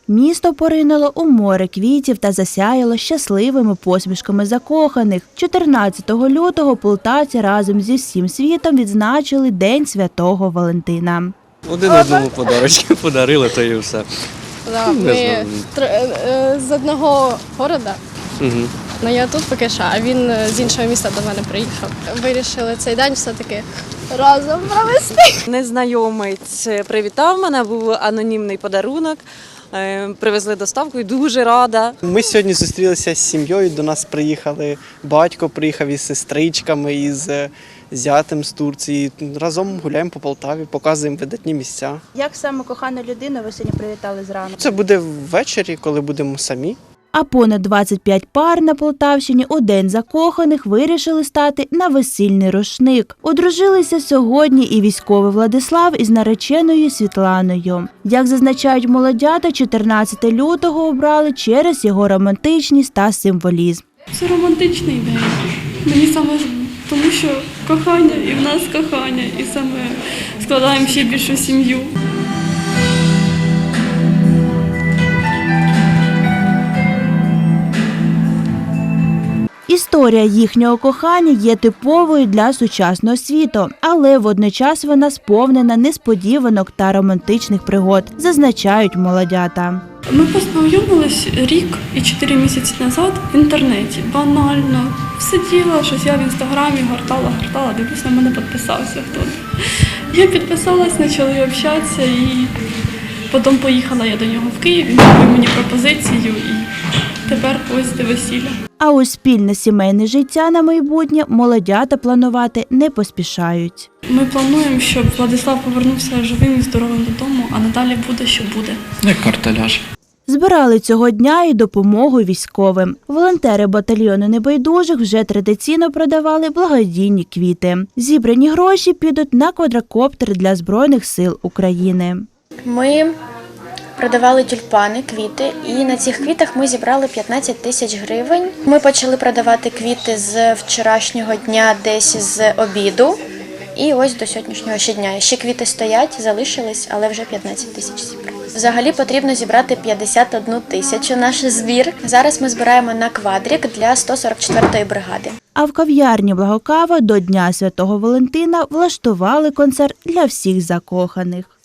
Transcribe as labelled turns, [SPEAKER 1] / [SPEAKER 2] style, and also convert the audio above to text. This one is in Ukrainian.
[SPEAKER 1] Місто поринуло у море квітів та засяяло щасливими посмішками закоханих. 14 лютого полтавці разом зі всім світом відзначили День Святого Валентина.
[SPEAKER 2] Один одному подарочки подарили, то і все.
[SPEAKER 3] Да, ми з одного міста. Ну, я тут поки що, а він з іншого міста до мене приїхав. Вирішили цей день все-таки разом провести.
[SPEAKER 4] Незнайомець привітав мене, був анонімний подарунок. Привезли доставку і дуже рада.
[SPEAKER 5] Ми сьогодні зустрілися з сім'єю, до нас приїхали, батько приїхав із сестричками, із зятем з Турції. Разом гуляємо по Полтаві, показуємо видатні місця.
[SPEAKER 1] Як саме кохану людину ви сьогодні привітали зранку?
[SPEAKER 5] Це буде ввечері, коли будемо самі.
[SPEAKER 1] А понад 25 пар на Полтавщині у День закоханих вирішили стати на весільний рушник. Одружилися сьогодні і військовий Владислав із нареченою Світланою. Як зазначають молодята, 14 лютого обрали через його романтичність та символізм.
[SPEAKER 6] Це романтичний день. Мені саме тому, що кохання і в нас кохання, і саме складаємо ще більшу сім'ю.
[SPEAKER 1] Історія їхнього кохання є типовою для сучасного світу, але водночас вона сповнена несподіванок та романтичних пригод, зазначають молодята.
[SPEAKER 6] Ми познайомились рік і 4 місяці назад в інтернеті. Банально. Сиділа, щось я в інстаграмі гортала, дивлюсь, на мене підписався хтось. Я підписалась, почали общатися і потім поїхала я до нього в Київ, він зробив мені пропозицію і тепер ось до весілля.
[SPEAKER 1] А ось спільне сімейне життя на майбутнє молодята планувати не поспішають.
[SPEAKER 6] Ми плануємо, щоб Владислав повернувся живим і здоровим додому, а надалі буде, що буде.
[SPEAKER 7] Як картеляж.
[SPEAKER 1] Збирали цього дня і допомогу військовим. Волонтери батальйону небайдужих вже традиційно продавали благодійні квіти. Зібрані гроші підуть на квадрокоптер для Збройних сил України.
[SPEAKER 8] Ми продавали тюльпани, квіти, і на цих квітах ми зібрали 15 тисяч гривень. Ми почали продавати квіти з вчорашнього дня, десь з обіду, і ось до сьогоднішнього ще дня. Ще квіти стоять, залишились, але вже 15 тисяч зібрали. Взагалі потрібно зібрати 51 тисячу наш збір. Зараз ми збираємо на квадрик для 144-ї бригади.
[SPEAKER 1] А в кав'ярні «Благокава» до Дня Святого Валентина влаштували концерт для всіх закоханих.